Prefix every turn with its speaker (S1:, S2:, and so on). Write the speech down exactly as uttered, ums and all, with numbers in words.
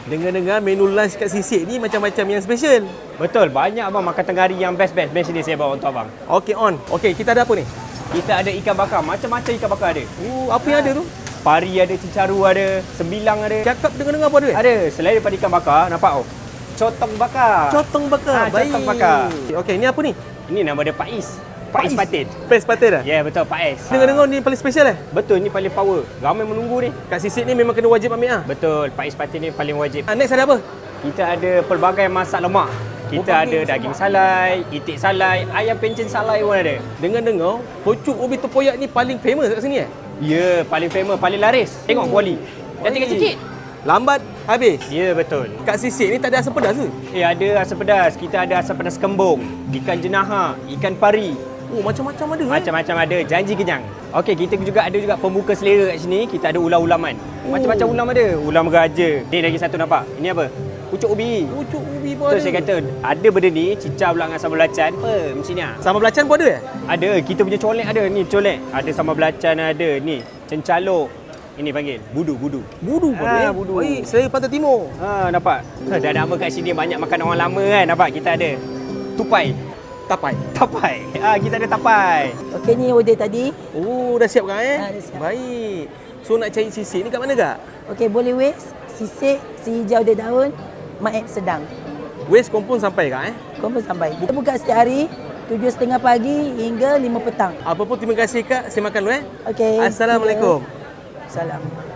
S1: Dengar-dengar menu lunch kat Sisik ni macam-macam yang special.
S2: Betul, banyak abang makan tengah hari yang best-best. Best ni saya bawa untuk abang.
S1: Okey on. Okey, kita ada apa ni?
S2: Kita ada ikan bakar, macam-macam ikan bakar ada.
S1: Oh, apa yang ada tu?
S2: Pari ada, cicaru ada, sembilang ada.
S1: Cakap dengar-dengar apa ada?
S2: Ada, selain daripada ikan bakar, nampak oh. Cotong bakar.
S1: Cotong bakar.
S2: Ha,
S1: Baik.
S2: cotong bakar.
S1: Okey, ni apa ni?
S2: Ini nama dia Pais. Pais patin.
S1: Pais patin dah?
S2: Ya, yeah, betul, Pais.
S1: Dengar-dengar ni paling special eh?
S2: Betul, ni paling power. Ramai menunggu ni.
S1: Kat Sisik ni memang kena wajib ambil ah.
S2: Betul, Pais patin ni paling wajib.
S1: Ah, next ada apa?
S2: Kita ada pelbagai masak lemak. Kita
S1: Oh,
S2: ada daging salai, itik salai, ayam pencen salai pun ada.
S1: Dengar-dengar, pucuk ubi tepoyak ni paling famous kat sini eh?
S2: Ya, paling famous, paling laris. Tengok kuali. Dah tinggal sikit.
S1: Lambat habis.
S2: Ya, betul.
S1: Kat Sisik ni tak ada asam pedas ke?
S2: Eh, ada asam pedas. Kita ada asam pedas kembung, ikan jenaha, ikan pari.
S1: Oh, macam-macam ada eh?
S2: Macam-macam ada, janji kenyang. Okey, kita juga ada juga pembuka selera kat sini. Kita ada ulam-ulaman. Macam-macam ulam ada. Ulam garaja. Ni lagi satu nampak. Ini apa? Pucuk ubi.
S1: Pucuk ubi pun
S2: Betul
S1: ada.
S2: saya kata, ada benda ni, cicah pula dengan sambal belacan. Apa? Macam ni ah.
S1: Sambal belacan pun ada eh?
S2: Ada, kita punya colek ada. Ni colek. Ada sambal belacan ada. Ni, cencalok. Ini panggil budu, budu.
S1: Budu pun
S2: Ah,
S1: ada eh?
S2: budu.
S1: Baik, selera pantai timur.
S2: Ha, nampak? Dah nama kat sini banyak makan orang lama kan. Nampak? Kita ada tupai.
S1: Tapai.
S2: Tapai. Ah, kita ada tapai.
S3: Okey, ni order tadi.
S1: Oh, dah siap kan eh?
S3: Ah, dah siap.
S1: Baik. So nak cari Sisik ni kat mana kak?
S3: Okey, boleh West, Sisik, si hijau dia daun, Maib Sedang.
S1: West Kompon sampai kak eh?
S3: Confirm sampai. Kita buka setiap hari tujuh tiga puluh pagi hingga lima petang.
S1: Apa pun terima kasih kak. Saya makan dulu eh.
S3: Okey.
S1: Assalamualaikum.
S3: Salam.